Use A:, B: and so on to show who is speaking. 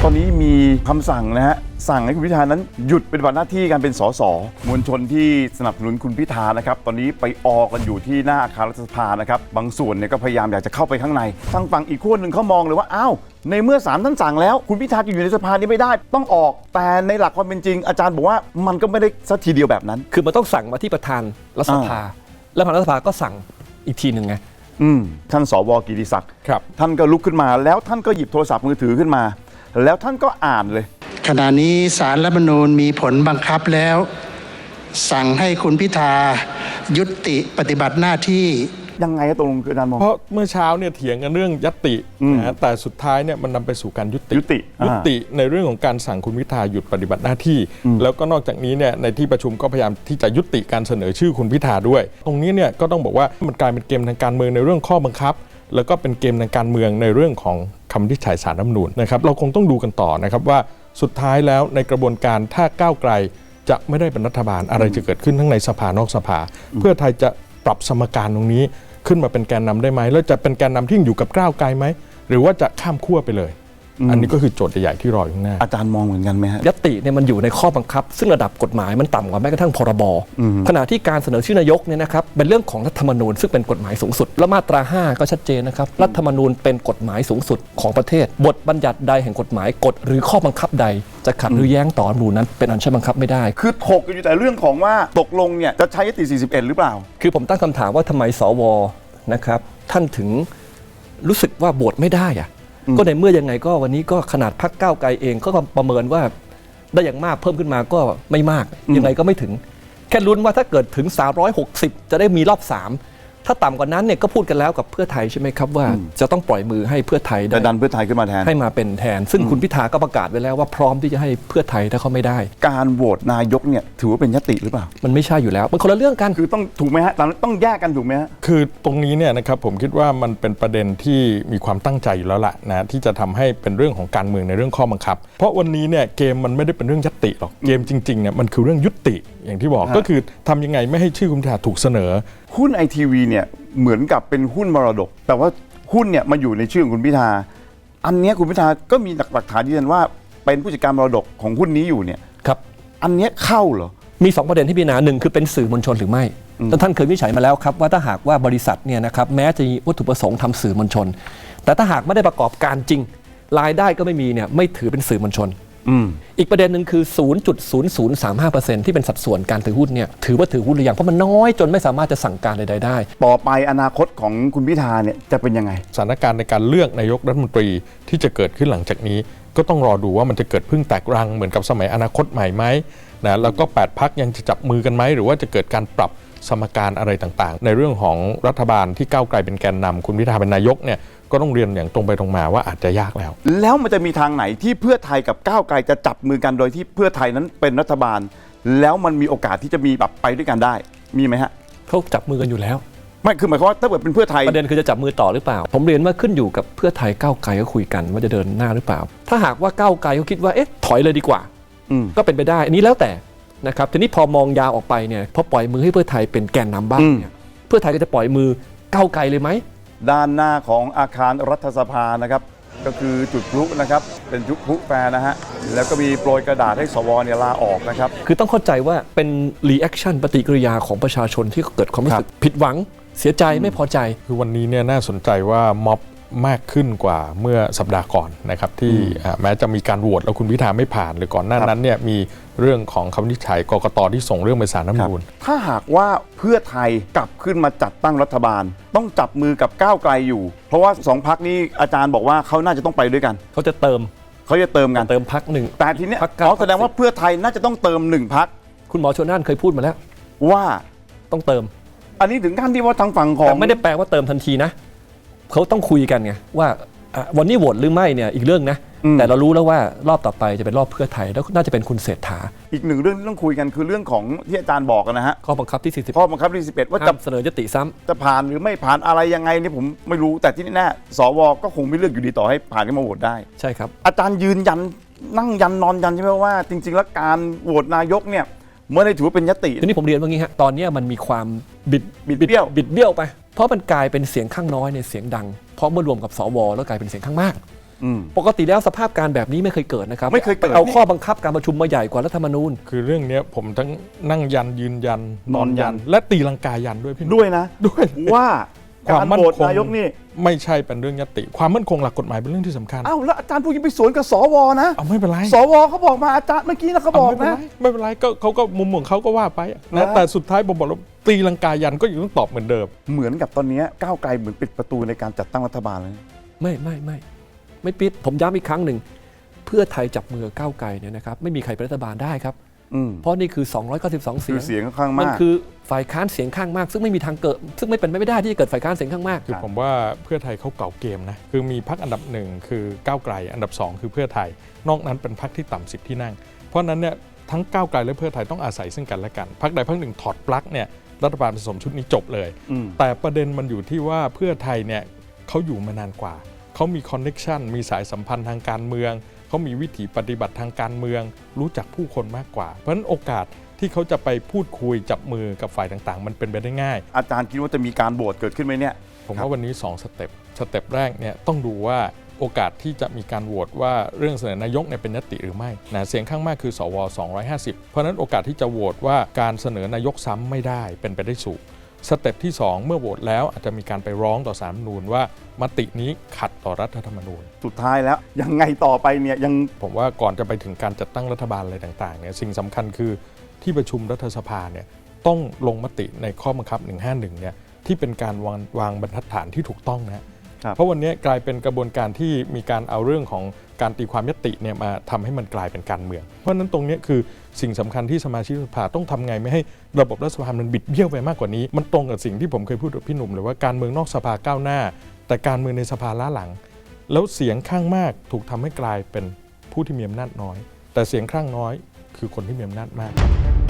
A: อนนี้มีคำสั่งนะฮะสั่งให้คุณพิธานั้นหยุดปฏิบัติหน้าที่การเป็นสสมวลชนที่สนับสนุนคุณพิธานะครับตอนนี้ไปออกันอยู่ที่หน้าอาคารรัฐสภานะครับบางส่วนเนี่ยก็พยายามอยากจะเข้าไปข้างในทางฝั่งอีกขั้วหนึ่งเขามองเลยว่าอ้าวในเมื่อศาลท่านสั่งแล้วคุณพิธาจะอยู่ในสภานี้ไม่ได้ต้องออกแต่ในหลักความเป็นจริงอาจารย์บอกว่ามันก็ไม่ได้สักทีเดียวแบบนั้น
B: คือมันต้องสั่งมาที่ประธานรัฐสภาแล้วประธานรัฐสภาก็สั่งอีกทีหนึ่งไง
A: ท่านสว.กิติศักดิ์ท่านก็ลุกขึ้นมาแล้วท่านก็หยิบโทรศัพท์มือถือขึ้นมาแล้วท่านก็อ่านเลย
C: ขณะนี้ศาลรัฐธรรมนูญมีผลบังคับแล้วสั่งให้คุณพิธายุติปฏิบัติหน้าที่
A: ยังไงตรงคืออาจารย์มอง
D: เพราะเมื่อเช้าเนี่ยเถียงกันเรื่องญัตตินะแต่สุดท้ายเนี่ยมันนำไปสู่การยุติในเรื่องของการสั่งคุณพิธาหยุดปฏิบัติหน้าที่แล้วก็นอกจากนี้เนี่ยในที่ประชุมก็พยายามที่จะยุติการเสนอชื่อคุณพิธาด้วยตรงนี้เนี่ยก็ต้องบอกว่ามันกลายเป็นเกมทางการเมืองในเรื่องข้อบังคับแล้วก็เป็นเกมทางการเมืองในเรื่องของคำวินิจฉัยศาลรัฐธรรมนูญนะครับเราคงต้องดูกันต่อนะครับว่าสุดท้ายแล้วในกระบวนการถ้าก้าวไกลจะไม่ได้เป็นรัฐบาลอะไรจะเกิดขึ้นทั้งในสภานอกสภาเพื่อไทยจะปรับสมการตรงนี้ขึ้นมาเป็นแกนนำได้ไหมแล้วจะเป็นแกนนำที่อยู่กับก้าวไกลไหมหรือว่าจะข้ามขั้วไปเลยอันนี้ก็คือโจทย์ใหญ่ๆที่รออยู่ข้างหน้า
A: อาจารย์มองเหมือนกันไหมฮะ
B: ญัตติเนี่ยมันอยู่ในข้อบังคับซึ่งระดับกฎหมายมันต่ำกว่าแม้กระทั่งพรบขณะที่การเสนอชื่อนายกเนี่ยนะครับเป็นเรื่องของรัฐธรรมนูญซึ่งเป็นกฎหมายสูงสุดและมาตรา5ก็ชัดเจนนะครับรัฐธรรมนูญเป็นกฎหมายสูงสุดของประเทศบทบัญญัติใดแห่งกฎหมายกฎหรือข้อบังคับใดจะขัดหรือแย้งต่อรัฐธรรมนูญนั้นเป็นอันใช้บังคับไม่ได้
A: คือถกกันอยู่แต่เรื่องของว่าตกลงเนี่ยจะใช้ยติ41หรือเปล่า
B: คือผมตั้งคำถามว่าทำไมสวนะครับท่านถึงรู้สึกว่าโหวตไม่ได้อะก็ในเมื่อยังไงก็วันนี้ก็ขนาดพรรคก้าวไกลเองก็ประเมินว่าได้อย่างมากเพิ่มขึ้นมาก็ไม่มากยังไงก็ไม่ถึงแค่ลุ้นว่าถ้าเกิดถึง360จะได้มีรอบ3ถ้าต่ำกว่านั้นเนี่ยก็พูดกันแล้วกับเพื่อไทยใช่ไหมครับว่าจะต้องปล่อยมือให้เพื่อไทย
A: จะดันเพื่อไทยขึ้นมาแทน
B: ให้มาเป็นแทนซึ่งคุณพิธาก็ประกาศไว้แล้วว่าพร้อมที่จะให้เพื่อไทยถ้าเขาไม่ได้
A: การโหวตนายกเนี่ยถือว่าเป็นญัตติหรือเปล่า
B: มันไม่ใช่อยู่แล้วมันคนละเรื่องกัน
A: คือต้องถูกไหมฮะต้องแยกกันถูกไหมฮะ
D: คือตรงนี้เนี่ยนะครับผมคิดว่ามันเป็นประเด็นที่มีความตั้งใจอยู่แล้วล่ะนะที่จะทำให้เป็นเรื่องของการเมืองในเรื่องข้อบังคับเพราะวันนี้เนี่ยเกมมันไม่ได้เป็นเรื่องญัตติหรอกเกมจริงๆเนี่ยมันคือเรื่องยุติอย่างที่บอกก็คือทำยังไงไม่ให้ชื่อคุณพิธาถูกเสนอ
A: หุ้นไอทีวีเนี่ยเหมือนกับเป็นหุ้นมรดกแต่ว่าหุ้นเนี่ยมาอยู่ในชื่อของคุณพิธาอันนี้คุณพิธาก็มีหลักฐานยืนยันว่าเป็นผู้จัดการมรดกของหุ้นนี้อยู่เนี่ย
B: ครับ
A: อันนี้เข้าเหรอ
B: มี2ประเด็นที่พิจารณา1คือเป็นสื่อมวลชนหรือไม่ท่านเคยวินิจฉัยมาแล้วครับว่าถ้าหากว่าบริษัทเนี่ยนะครับแม้จะมีวัตถุประสงค์ทำสื่อมวลชนแต่ถ้าหากไม่ได้ประกอบการจริงรายได้ก็ไม่มีเนี่ยไม่ถือเป็นสื่อมวลชนอีกประเด็นหนึ่งคือ 0.0035% ที่เป็นสัดส่วนการถือหุ้นเนี่ยถือว่าถือหุ้นหรือยังเพราะมันน้อยจนไม่สามารถจะสั่งการใดๆได้
A: ต่อไปอนาคตของคุณพิธาเนี่ยจะเป็นยังไง
D: สถานการณ์ในการเลือกนายกรัฐมนตรีที่จะเกิดขึ้นหลังจากนี้ก็ต้องรอดูว่ามันจะเกิดพึ่งแตกรังเหมือนกับสมัยอนาคตใหม่ไหมนะแล้วก็8พรรคยังจะจับมือกันไหมหรือว่าจะเกิดการปรับสมการอะไรต่างๆในเรื่องของรัฐบาลที่ก้าวไกลเป็นแกนนำคุณพิธาเป็นนายกเนี่ยก็ต้องเรียนอย่างตรงไปตรงมาว่าอาจจะยาก
A: แล้วมันจะมีทางไหนที่เพื่อไทยกับก้าวไกลจะจับมือกันโดยที่เพื่อไทยนั้นเป็นรัฐบาลแล้วมันมีโอกาสที่จะมีแบบไปด้วยกันได้มีไหมฮะ
B: เขาจับมือกันอยู่แล้ว
A: ไม่คือหมายความว่าถ้าเกิดเป็นเพื่อไทย
B: ประเด็นคือจะจับมือต่อหรือเปล่าผมเรียนว่าขึ้นอยู่กับเพื่อไทยก้าวไกลก็คุยกันว่าจะเดินหน้าหรือเปล่าถ้าหากว่าก้าวไกลเขาคิดว่าเอ๊ะถอยเลยดีกว่าก็เป็นไปได้อันนี้แล้วแต่นะครับทีนี้พอมองยาวออกไปเนี่ยพอปล่อยมือให้เพื่อไทยเป็นแกนนำบ้างเนี่ยเพื่อไทยก็จะปล่อยมือก้าวไกลเลยไหม
A: ด้านหน้าของอาคารรัฐสภานะครับก็คือจุดพลุนะครับเป็นจุดพลุแฟร์นะฮะแล้วก็มีโปรยกระดาษให้สวเนี่ยลาออกนะครับ
B: คือต้องเข้าใจว่าเป็นรีแอคชั่นปฏิกิริยาของประชาชนที่เกิดความรู้สึกผิดหวังเสียใจไม่พอใจ
D: คือวันนี้เนี่ยน่าสนใจว่าม็อบมากขึ้นกว่าเมื่อสัปดาห์ก่อนนะครับที่แม้จะมีการโหวตแล้วคุณพิธาไม่ผ่านหรือก่อนหน้านั้นเนี่ยมีเรื่องของคำวินิจฉัยกกต.ที่ส่งเรื่องไปศาลรัฐธรรมนูญ
A: ถ้าหากว่าเพื่อไทยกลับขึ้นมาจัดตั้งรัฐบาลต้องจับมือกับก้าวไกลอยู่เพราะว่า2พรรคนี้อาจารย์บอกว่าเขาน่าจะต้องไปด้วยกัน
B: เขาจะเติม
A: กัน
B: เติมพรรคหนึ่ง
A: แต่ทีนี้แสดงว่าเพื่อไทยน่าจะต้องเติม1พรรค
B: คุณหมอชลน่านเคยพูดมาแล้ว
A: ว่า
B: ต้องเติม
A: อันนี้ถึงขั้นที่ว่าทางฝั่งของ
B: แต่ไม่ได้แปลว่าเติมทันทีนะเขาต้องคุยกันไงว่าวันนี้โหวตหรือไม่เนี่ยอีกเรื่องนะแต่เรารู้แล้วว่ารอบต่อไปจะเป็นรอบเพื่อไทยแล้วน่าจะเป็นคุณเศรษฐา
A: อีกหนึ่งเรื่องที่ต้องคุยกันคือเรื่องของที่อาจารย์บอกนะฮะ
B: ข้อบังคับที่40
A: ข้อบังคับที่11ว่าจะ
B: เสนอยติซ้ำ
A: จะผ่านหรือไม่ผ่านอะไรยังไงนี่ผมไม่รู้แต่ที่แน่สวก็คงไม่เลือกอยู่ดีต่อให้ผ่านขึ้นมาโหวตได้
B: ใช่ครับ
A: อาจารย์ยืนยันนั่งยันนอนยันใช่ไหมว่าจริงๆแล้วการโหวตนายกเนี่ยไม่ได้ถือว่าเป็นยติ
B: ทีนี้ผมเรียนว่างี้ฮะตอนนี้มันมีความบิดเบี้ยวไปเพราะมันกลายเป็นเสียงข้างน้อยในเสียงดังเพราะเมื่อรวมกับสวแล้วกลายเป็นเสียงข้างมากปกติแล้วสภาพการแบบนี้ไม่เคยเกิดนะครับ
A: ไม่เคยเกิด
B: เอาข้อบังคับการประชุมมาใหญ่กว่ารัฐธรรมนูญ
D: คือเรื่องเนี้ยผมทั้งนั่งยันยืนยัน
A: นอนยัน
D: และตีลังกายันด้วยพี่หนุ่ม
A: ด้วยนะ
D: ด้วย
A: ว่าการโหวตนายกนี่
D: ไม่ใช่เป็นเรื่องยติความมั่นคงหลักกฎหมายเป็นเรื่องที่สำคัญ
A: อ้าวแล้วอาจารย์พูดยังไปสวนกับสวนะ
D: เอาไม่เป็นไร
A: สวเขาบอกมาอาจารย์เมื่อกี้นะเขาบอกนะ
D: ไม่เป็นไรก็เขาก็มุมของเขาก็ว่าไป
A: แล้
D: นะ
A: ว
D: แต่สุดท้ายผมบอกแล้วตีลังกายันก็ยังต้องตอบเหมือนเดิม
A: เหมือนกับตอนนี้ก้าวไกลเหมือนปิดประตูในการจัดตั้งรัฐบาลเลย
B: ไม่ปิดผมย้ำอีกครั้งหนึ่งเพื่อไทยจับมือก้าวไกลเนี่ยนะครับไม่มีใครเป็นรัฐบาลได้ครับ เพราะนี่คือ 292 เสี
A: คื
B: ย
A: อง เสียงค่อนข้าง
B: มัน
A: มาก
B: คือฝ่ายค้านเสียงข้างมาก ซึ่งไม่มีทางเกิด ซึ่งไม่เป็นไปไม่ได้ที่จะเกิดฝ่ายค้านเสียงข้างมาก
D: คือผมว่าเพื่อไทยเขาเก่าเกมนะคือมีพรรคอันดับหนึ่งคือก้าวไกลอันดับ 2 คือเพื่อไทย นอกนั้นเป็นพรรคที่ต่ำ10 ที่นั่ง เพราะฉะนั้นเนี่ยทั้งก้าวไกลและเพื่อไทยต้องอาศัยซึ่งกันและกันพรรคใดพรรคหนึ่งถอดปลั๊กเนี่ยรัฐบาลผสมชุดนี้จบเลย แต่ประเด็นมันอยู่ที่ว่าเพื่อไทยเนี่ยเขาอยู่มานานกว่าเขามีคอนเน็กชันมีสายสัมพันธ์ทางการเมืองเขามีวิถีปฏิบัติทางการเมืองรู้จักผู้คนมากกว่าเพราะฉะนั้นโอกาสที่เขาจะไปพูดคุยจับมือกับฝ่ายต่างๆมันเป็นไปได้ง่าย
A: อาจารย์คิดว่าจะมีการโหวตเกิดขึ้นไหมเนี่ย
D: ผมว่าวันนี้2สเต็ปแรกเนี่ยต้องดูว่าโอกาสที่จะมีการโหวตว่าเรื่องเสนอนายกเนี่ยเป็นญัตติหรือไม่นะเสียงข้างมากคือสว250เพราะฉะนั้นโอกาสที่จะโหวตว่าการเสนอนายกซ้ำไม่ได้เป็นไปได้สูงสเต็ปที่2เมื่อโหวตแล้วอาจจะมีการไปร้องต่อศาลรัฐธรรมนูญว่ามตินี้ขัดต่อรัฐธรรมนูญ
A: สุดท้ายแล้วยังไงต่อไปเนี่ยยัง
D: ผมว่าก่อนจะไปถึงการจัดตั้งรัฐบาลอะไรต่างๆเนี่ยสิ่งสำคัญคือที่ประชุมรัฐสภาเนี่ยต้องลงมติในข้อบังคับ 151 เนี่ยที่เป็นการวางบรรทัดฐานที่ถูกต้องนะเพราะวันนี้กลายเป็นกระบวนการที่มีการเอาเรื่องของการตีความญัตติเนี่ยมาทำให้มันกลายเป็นการเมืองเพราะฉะนั้นตรงนี้คือสิ่งสำคัญที่สมาชิกสภาต้องทำไงไม่ให้ระบบรัฐสภามันบิดเบี้ยวไปมากกว่านี้มันตรงกับสิ่งที่ผมเคยพูดกับพี่หนุ่มเลยว่าการเมืองนอกสภาก้าวหน้าแต่การเมืองในสภาล้าหลังแล้วเสียงข้างมากถูกทำให้กลายเป็นผู้ที่มีอำนาจน้อยแต่เสียงข้างน้อยคือคนที่มีอำนาจมาก